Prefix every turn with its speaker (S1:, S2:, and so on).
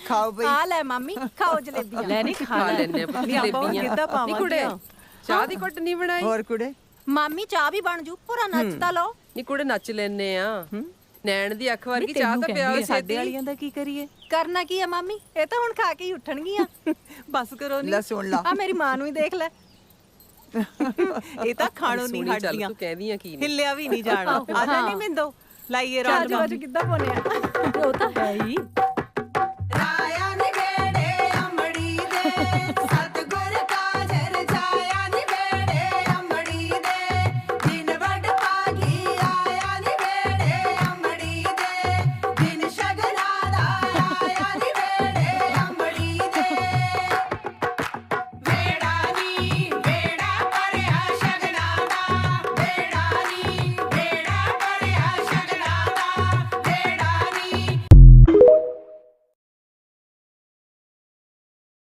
S1: ਖਾਓ ਬਈ।
S2: ਆ ਲੈ ਮਾਮੀ ਖਾਓ ਜਲੇਬੀਆਂ।
S3: ਲੈ ਨਹੀਂ ਖਾ
S4: ਲੈਣੇ ਪੁੱਤ ਜਲੇਬੀਆਂ। ਨੀ ਕੁੜੇ ਚਾਹ ਦੀ ਘੁੱਟ ਨਹੀਂ ਬਣਾਈ?
S1: ਹੋਰ ਕੁੜੇ
S2: ਮਾਮੀ ਚਾਹ ਵੀ ਬਣ ਜੂ, ਪੂਰਾ ਨੱਚ ਤਾਂ ਲਓ।
S4: ਨੀ ਕੁੜੇ ਨੱਚ ਲੈਨੇ ਆ। ਨੈਣ ਦੀ ਅੱਖ ਵਰਗੀ ਚਾਹ ਤਾਂ ਪਿਆਓ
S3: ਸਾਡੇ ਵਾਲੀਆਂ ਦਾ ਕੀ ਕਰੀਏ?
S2: ਕਰਨਾ ਕੀ ਆ ਮਾਮੀ, ਇਹ ਤਾਂ ਹੁਣ ਖਾ ਕੇ ਹੀ ਉੱਠਣਗੀਆਂ।
S3: ਬਸ ਕਰੋ
S1: ਲੈ
S3: ਨਹੀਂ।
S1: ਸੁਣ ਲਾ।
S2: ਆ ਮੇਰੀ ਮਾਂ ਨੂੰ ਹੀ ਦੇਖ ਲੈ।
S3: ਇਹ ਤਾਂ ਖਾਣੋ ਨਹੀਂ
S4: ਸੋਹਣੀ ਚੱਲ
S3: ਹਟਦੀਆਂ,
S4: ਤੂੰ ਕਹਿੰਦੀਆਂ ਕੀ ਨੇ।
S3: ਹਿੱਲਿਆ ਵੀ ਨਹੀਂ ਜਾਣਾ। ਆ ਜਾ ਨਹੀਂ ਮਿੰਦੋ, ਲਾਈਏ
S2: ਚਾਹ
S3: ਰੌਣਕ।
S2: ਚ ਕਿੱਦਾਂ ਬਣਿਆ?
S3: ਉਹ ਤਾਂ ਹੈ ਹੀ।